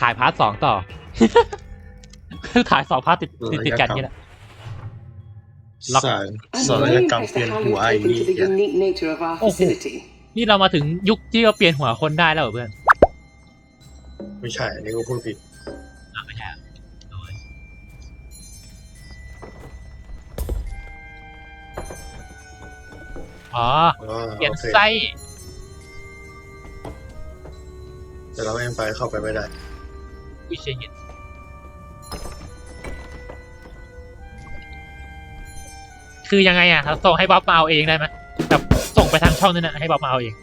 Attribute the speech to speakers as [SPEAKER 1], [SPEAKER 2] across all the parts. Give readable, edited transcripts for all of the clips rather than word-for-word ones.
[SPEAKER 1] ถ่ายพาร์ท 2ต่อ ถ่าย2 พาร์ทติดกันนี่แหละ
[SPEAKER 2] ศัลยกรรมเปลี่ยนหัวไอ้นี่
[SPEAKER 1] โอ้โหนี่เรามาถึงยุคที่เราเปลี่ยนหัวคนได้แล้วเหรอเพื่อน
[SPEAKER 2] ไม่ใช่อันนี้ก็พูดผิด
[SPEAKER 1] ไม่ใช่อ๋อเปลี่ยนไส้
[SPEAKER 2] แต่เราไม่ไปเข้าไปไม่ได้
[SPEAKER 1] วิเชียรคือยังไงอ่ะส่งให้บ๊อบมาเอาเองได้ไหมแบบส่งไปทางช่องนั้นนะให้บ๊อบมาเอาเอง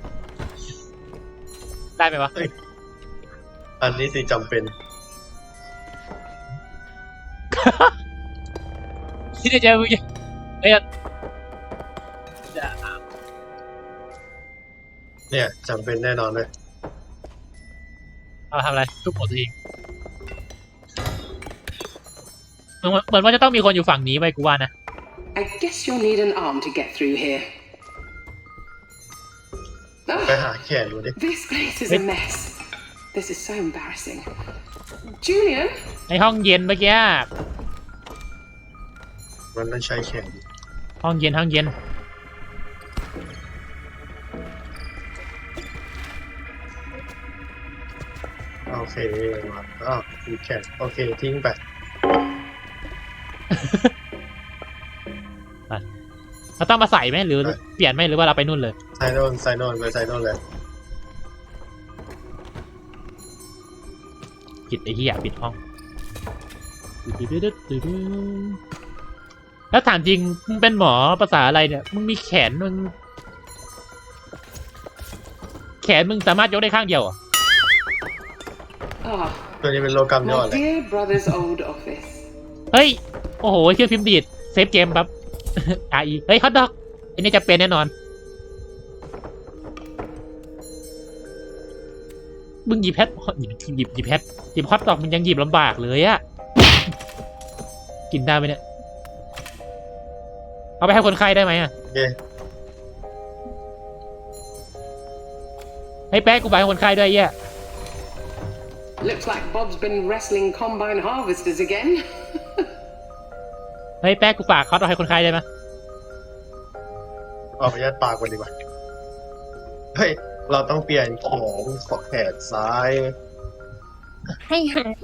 [SPEAKER 1] ได้ไหมวะ
[SPEAKER 2] อันนี้สิจำเป็น
[SPEAKER 1] ที่จะเจอมึง
[SPEAKER 2] เนี่ยจำเป็นแน่นอนเลย
[SPEAKER 1] เอาทำอะไรทุบหมดตัวเองเหมือนว่าจะต้องมีคนอยู่ฝั่งนี้ไปกูว่านะ
[SPEAKER 3] I guess you'll need an arm to get through here.
[SPEAKER 2] ไปหาแขนดูดิ
[SPEAKER 3] This place is a mess. This is so embarrassing. Julian?
[SPEAKER 1] ในห้องเย็นเมื่อกี้
[SPEAKER 2] มันต้องใช้แขน
[SPEAKER 1] ห้องเย็น
[SPEAKER 2] โอเคมามีแขนโอเคทิ้งไป
[SPEAKER 1] เราต้องมาใส่ไหมหรือเปลี่ยนไหมหรือว่าเราไปนู่นเลย
[SPEAKER 2] ใส่โน่นไปใส่โน่นเลย
[SPEAKER 1] ปิดไอ้ที่อยากปิดห้องแล้วถามจริงมึงเป็นหมอภาษาอะไรเนี่ยมึงมีแขนมึงสามารถยกได้ข้างเดียวอ่ะ
[SPEAKER 2] ตัวนี้เป็นโลกรรมยอดเลย
[SPEAKER 1] เฮ้ยโอ้โหเครื่องพิมพ์ดีดเซฟเกมปั๊บเฮ้ยฮอตดอกอันนี้จะเป็นแน่นอนมึงหยิบแพทหยิบแพทหยิบฮอตดอกมึงยังหยิบลำบากเลยอะกินได้ไหมเนี่ยเอาไปให้คนไข้ได้ไหมอะให้แป๊กกูไปให้คนไข้ด้วยเย่
[SPEAKER 3] Looks like Bob's been wrestling combine harvesters again
[SPEAKER 1] เฮ้ยแป๊กกูฝากเขาต้องให้คนไข้ได้ไหม
[SPEAKER 2] เอาไปยัดปากก่อนดีกว่าเฮ้ยเราต้องเปลี่ยนแขนขอแขนซ้าย
[SPEAKER 4] ให้หาย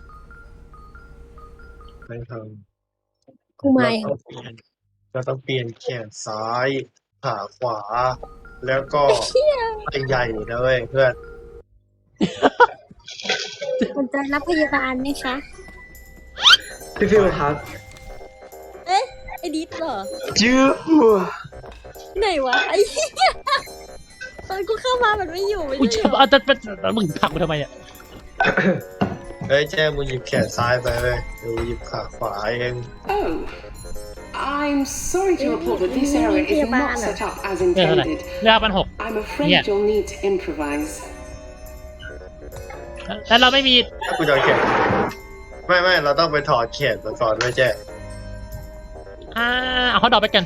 [SPEAKER 2] ไม่ท
[SPEAKER 4] ำกูไม่
[SPEAKER 2] เราต้องเปลี่ยนแขนซ้ายขาขวาแล้วก็ใหญ่ๆนะเว้ยเพื่อน
[SPEAKER 4] สนใจรับพยาบาลไหมคะ
[SPEAKER 2] พี่ฟิวครับ
[SPEAKER 4] เอ๊ะไอ้ดิสเหรอ
[SPEAKER 2] จื้อ
[SPEAKER 4] ไหนวะไอ้ตอนกูเข้ามามันไม่อยู่
[SPEAKER 1] อุ้ยจะมึงผลักกูทำไมอ่ะ
[SPEAKER 2] เฮ้ยแจ้มึงหยิบแขนซ้ายไปเลยดูหยิบขาขวาเอง
[SPEAKER 3] Oh I'm sorry to report that this area is not set up as intended I'm afraid you'll need to improvise
[SPEAKER 1] แล้วเราไม่มี
[SPEAKER 2] กูจะแขนไม่เราต้องไปถอดแขนก่อนไม่แจ้
[SPEAKER 1] เอาเขาดอกไปกัน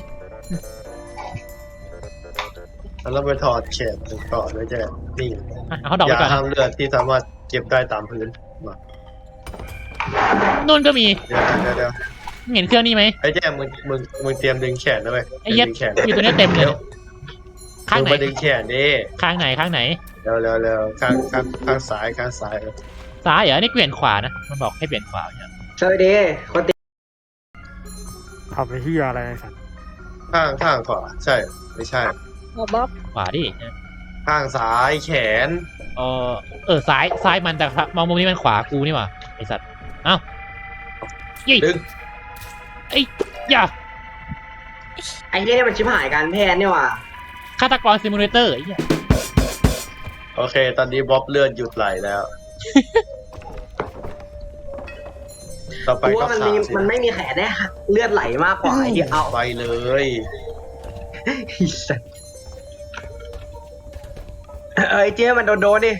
[SPEAKER 2] แล้วไปถอดแขนก่อนไม่แจ้นี่
[SPEAKER 1] เขาดอกไปก่อน
[SPEAKER 2] ยาห้ามเลือดที่สามารถเก็บได้ตามพื้นมา
[SPEAKER 1] นู่นก็มี
[SPEAKER 2] เดี๋ยว
[SPEAKER 1] เห็นเครื่องนี้ไหม
[SPEAKER 2] ไอ้แจ้มึงเตรียมดึงแขนด้วย
[SPEAKER 1] ไอ้เย็ดอยู่ตัวนี้เต็มเลยข้างไหน
[SPEAKER 2] มาดึงแขนดิ
[SPEAKER 1] ข้างไหน
[SPEAKER 2] เร็วข้างซ้าย
[SPEAKER 1] เหรอนี่เปลี่ยนขวานะมันบอกให้เปลี่ยนขวาเนี่ย
[SPEAKER 5] สวัสดีคนตี
[SPEAKER 6] ทำไปที่อะไรสัน
[SPEAKER 2] ข้างขวาใช่ไม่ใช่
[SPEAKER 4] บ๊อบ
[SPEAKER 1] ขวาดิ
[SPEAKER 2] ข้างซ้ายแขน
[SPEAKER 1] ซ้ายมันแต่มองมุมนี้มันขวากูนี่หว่าไอ้สัตว์เอ้า
[SPEAKER 2] ดึง
[SPEAKER 1] ไอ้ย่า
[SPEAKER 5] ไอ้เหี้ยมันชิบหายการแพทย์นี่ว่ะ
[SPEAKER 1] ฆาตกรซิมูเลเตอร์ไอ้เหี้ย
[SPEAKER 2] โอเคตอนนี้บ๊อบเลือดหยุดไหลแล้วต่อไปก็
[SPEAKER 5] มันไม่มีแขนได้เลือดไหลมากกว่าไอ้ที่เอา
[SPEAKER 2] ไปเลย
[SPEAKER 5] เจ๊มันโดนดิ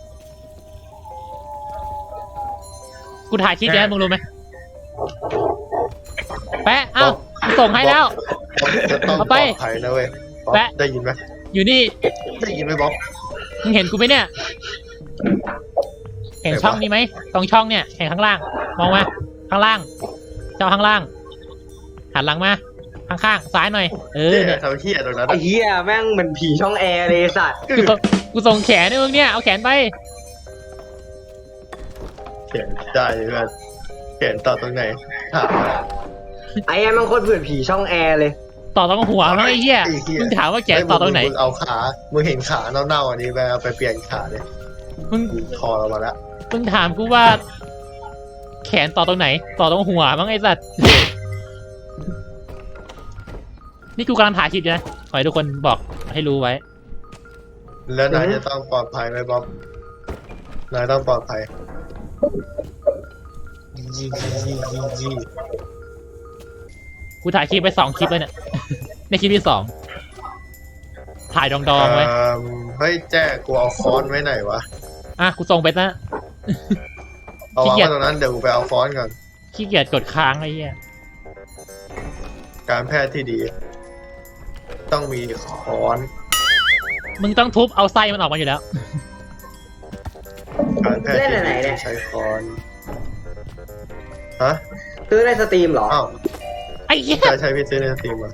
[SPEAKER 1] กูถ่ายคลิปแล้วมึงรู้ไหมแปะเอ้าส่งให้แล้ว
[SPEAKER 2] เอาไปถ่ายนะเว้ยแปะได้ยินไหม
[SPEAKER 1] อยู่นี่
[SPEAKER 2] ได้ยินไหมบ๊อบ
[SPEAKER 1] มึงเห็นกูไหมเนี่ยเห็นช่องนี้ไหมตรงช่องเนี่ยเห็นข้างล่างมองมาข้างล่างช่องข้างล่างหันหลังมาข้างๆซ้ายหน่อยเนี่ย
[SPEAKER 2] ทำเหี้ยตรงนั้น
[SPEAKER 5] ไอ้เหี้ยแม่งเหมือนผีช่องแอร์เลยไอ้สัตว์
[SPEAKER 1] กูส่งแขนให้มึงเนี่ยเอาแขนไป
[SPEAKER 2] เขียนได้เพื่อนเขียนต่อตรงไหนถาม
[SPEAKER 5] ไอ้แม่งโคตรเผื่อผีช่องแอร์เลย
[SPEAKER 1] ต่อตรงหัวมั้งไอ้เหี้ยมึงถามว่าแขนต่อตรงไหน
[SPEAKER 2] มึงเอาขามึงเห็นขาเน่าๆอันนี้ไปเอาไปเปลี่ยนขาเลย
[SPEAKER 1] มึง
[SPEAKER 2] คอเรามาแล้ว
[SPEAKER 1] มึงถามกูว่า แขนต่อตรงไหน ต่อตรงหัวมั้งไอ้สัตว์นี่กูกำลังถ่ายคลิปอยู่นะขอให้ทุกคนบอกให้รู้ไว้
[SPEAKER 2] แล้วนายจะต้องปลอดภัยไหมบ๊อบนายต้องปลอดภัยยี่
[SPEAKER 1] กูถ่ายคลิปไป2 คลิปแล้วเนี่ย ในคลิปที่ 2ถ่ายดองๆไว้
[SPEAKER 2] เฮ้ยแจ้กูเอาค้อนไว้ไหนวะ
[SPEAKER 1] อ่ะกูส่งไปนะ
[SPEAKER 2] เอาวางไว้ตรงนั้นเดี๋ยวกูไปเอาค้อนก่อน
[SPEAKER 1] ขี้เกียจกดค้างไอ้เหี้ย
[SPEAKER 2] การแพทย์ที่ดี ต้องมีค้อน
[SPEAKER 1] มึงต้องทุบเอาไส้มันออกมาอยู่แล้ว
[SPEAKER 2] การแพทย์ที่
[SPEAKER 5] เล่นอะไร
[SPEAKER 2] ดี
[SPEAKER 5] เนี่ย
[SPEAKER 2] ต้องใช้ค้อนฮะ
[SPEAKER 5] ซื้อในสตรีมเหรอ
[SPEAKER 2] อ้าว
[SPEAKER 1] ไอ้เหี้ย
[SPEAKER 2] ใช้พี่ซื้อในสตรีมมา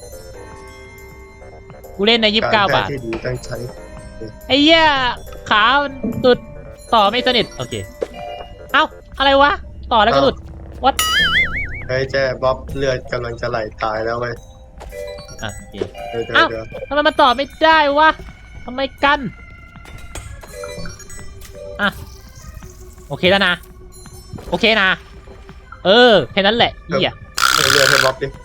[SPEAKER 1] กูเล่นใน29
[SPEAKER 2] การ
[SPEAKER 1] บา
[SPEAKER 2] แพท
[SPEAKER 1] ท
[SPEAKER 2] ย์ที่ดีต้องใช้
[SPEAKER 1] ไอ้เหี้ยขามันตุดต่อไม่สนิทโอเคเอ้าอะไรวะต่อแล้วก็หลุดวัด
[SPEAKER 2] เฮ้ยแจ้บ๊อบเลือดกำลังจะไหลตายแล้วเว้ย
[SPEAKER 1] อ่ะโอเค
[SPEAKER 2] เดี๋ยว
[SPEAKER 1] อ้าว ทำไมมันต่อไม่ได้วะทำไมกันอ่ะโอเคแล้วนะโอเคนะแค่นั้นแหละเหี้ย
[SPEAKER 2] เพิ่มเลือดให้บ๊อบดิ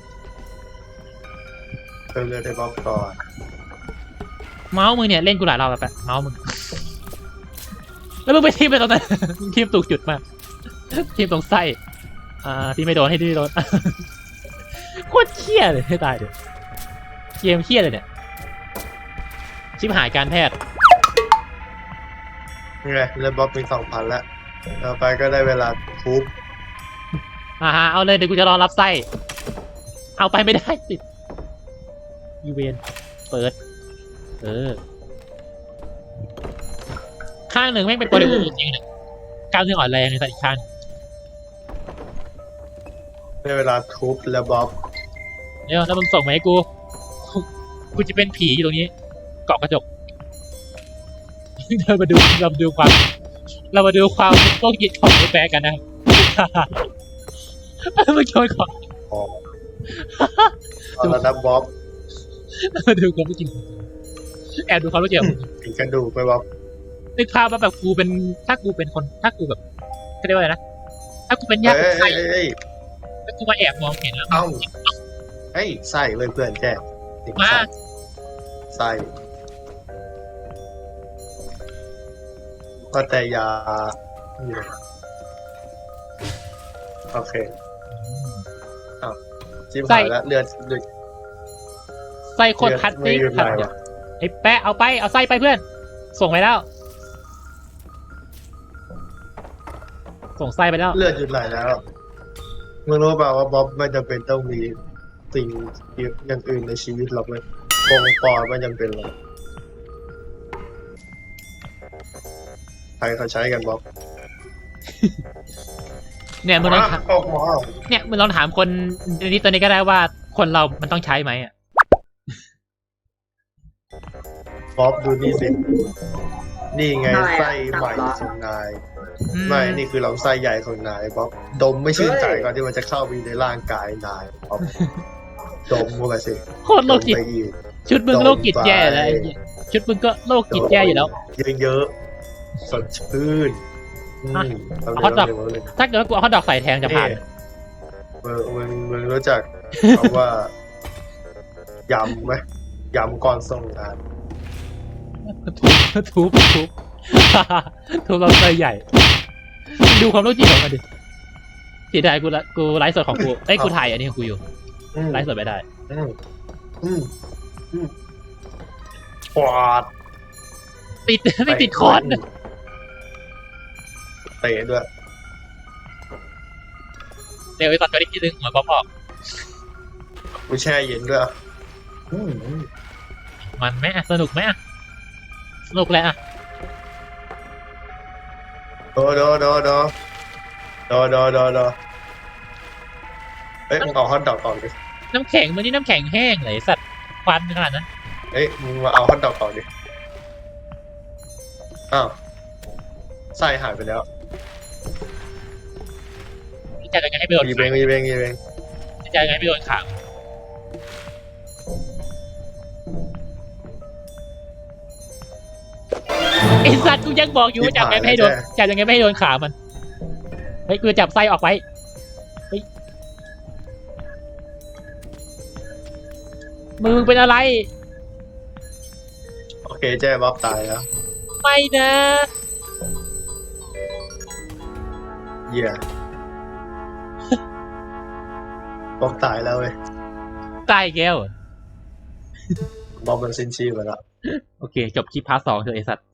[SPEAKER 2] เพิ่มเลือดให้บ๊อบก่อน
[SPEAKER 1] เมาส์มึงเนี่ยเล่นกูหลายรอบแล้วแปะเมาส์มึงแล้วมึงไปทีมไปตรงนั้น มึงทีมถูกจุดมากทีมตรงไส้ที่ไม่โดนให้ที่โดน โคตรเครียดเลยให้ตายเดี๋ยวเกมเครียดเลยเนี่ยชิบหายการแพทย์
[SPEAKER 2] นี่ไงเลือดบ๊อบมี 2,000 แล้วต่อไปก็ได้เวลาทุบ
[SPEAKER 1] เอาเลยเดี๋ยวกูจะรอรับไส้เอาไปไม่ได้ติดยูเวนเปิดข้างหนึ่งแม่งเป็นตัวเดียวจริงๆเนี่ยก้าวหนึ่งอ่อนแรงในแต่อีกข้าง
[SPEAKER 2] ได้เวลาทุบแล้วบ๊อบ
[SPEAKER 1] เดี๋ยวแล้วมึงส่งมาให้กู กูจะเป็นผีอยู่ตรงนี้ เกาะกระจก เรามาดูความโรคจิตของไอ้แปะกันนะ มึงโชว์ก่อน
[SPEAKER 2] ตอนนั้นบ๊อบ
[SPEAKER 1] มาดูความรู้จริงแอบดูความรู้จริง
[SPEAKER 2] ถึงกระดูกไปบ๊อบ
[SPEAKER 1] นึกภาพว่าแบบกูเป็นถ้ากูเป็นคนถ้ากูแบบเขาเรียกว่าอะไรนะถ้ากูเป็นญาติคนไข้
[SPEAKER 2] เอ้ย
[SPEAKER 1] แล้วกูมาแอบมองเห็นแล้ว
[SPEAKER 2] เอ้าเฮ้ยใส่เลยเพื่อนแจ้ติด
[SPEAKER 1] มา
[SPEAKER 2] ใส่ก็แต่ยาโอเคจิ้มหายแล้วเลือด
[SPEAKER 1] ไส้โคตรพัด
[SPEAKER 2] ไม่
[SPEAKER 1] นี่
[SPEAKER 2] หยุด
[SPEAKER 1] พัด
[SPEAKER 2] ไหล
[SPEAKER 1] เนี่
[SPEAKER 2] วะ
[SPEAKER 1] ยไอ้แปะเอาไส้ไปเพื่อน ส่งไปแล้ว ส่งไส้ไปแล้ว
[SPEAKER 2] เลือดหยุดไหลแล้วมึงรู้เปล่าว่าบ๊อบไม่จำเป็นต้องมีสิ่งอย่างอื่นในชีวิตหรอกเลยกงปอดไม่จำเป็นหรอกใครเขาใช้กันบ๊อบ
[SPEAKER 1] เนี่ยมึงลองถาม
[SPEAKER 2] ออกมา
[SPEAKER 1] เนี่ยมึงลองถามคนนี้ตัวนี้ก็ได้ว่าคนเรามันต้องใช้ไหมอ่ะ
[SPEAKER 2] บ๊อบดูนี่สินี่ไง
[SPEAKER 5] อะไรอะ
[SPEAKER 2] ไส้ใหม่
[SPEAKER 5] ตับเหรอ
[SPEAKER 2] ของนายไม่นี่คือลำไส้ใหญ่ของนายบ๊อบดมไม่ชื่นใจก่อนที่มันจะเข้าไปในร่างกายนายบ๊อบดมเข้าไปสิ
[SPEAKER 1] โคตรโรคจิต
[SPEAKER 2] ดมไปอีก
[SPEAKER 1] ชุดมึงโรคจิตแย่แล้วไอ้เหี้ยชุดมึงก็โรคจิตแย่อยู่แล้ว
[SPEAKER 2] เยอะๆสดชื่น
[SPEAKER 1] อ่ะ
[SPEAKER 2] เอา
[SPEAKER 1] เอาฮอตดอก
[SPEAKER 2] เลย
[SPEAKER 1] ถ้าเกิดว่ากูเอาฮอตดอกใส่แทงจะผ่าน
[SPEAKER 2] มึงรู้จักคำว่ายำไหมยำก่อนส่งงาน
[SPEAKER 1] ทุบ ทุบเราไส้ใหญ่ ดูความโรคจิตของมันดิเสียดายกูไลฟ์สดของกูกูถ่ายอันนี้ของกูอยู่ ไลฟ์สดไม่ได้
[SPEAKER 2] ปอด
[SPEAKER 1] ไม่ติดคอน
[SPEAKER 2] เตะด้วย
[SPEAKER 1] เดี๋ยวไอ้ตอนตัวนี้ทีนึงหัวป๊อปออก
[SPEAKER 2] กูแช่เย็นด้วยอืม
[SPEAKER 1] มันไหมสนุกไหมสนุกแหละ
[SPEAKER 2] โอโดเอ้ยมึงเอาฮอตดอกออกดิ
[SPEAKER 1] น้ำแข็งมันนี่น้ำแข็งแห้งเลยสัตว์ควันขนาดนั้น
[SPEAKER 2] เอ้ยมึงมาเอาฮอตดอกออกดิอ้าวไส้หายไปแล้ว
[SPEAKER 1] จะยังไงให้ไปโดน
[SPEAKER 2] ยี
[SPEAKER 1] ขา
[SPEAKER 2] เบง
[SPEAKER 1] จะยังไงให้ไปโดนขาไอสัตว์กูยังบอกอยู่ว่าจับยังไงไม่ให้โดนจับยังไงไม่ให้โดนขามันเฮ้ยกูจับไส้ออกไปเฮ้ยมึงเป็นอะไร
[SPEAKER 2] โอเคแจ้บ๊อบตายแล้ว
[SPEAKER 1] ไม่นะ
[SPEAKER 2] เหี้ยบ๊อบตายแล้วเว้ย
[SPEAKER 1] ตายอีกแล้วเหรอ
[SPEAKER 2] บ๊อบมันสิ้นชีพไปแล้ว
[SPEAKER 1] โอเค จบคลิปพาร์ท 2เถอะไอสัตว์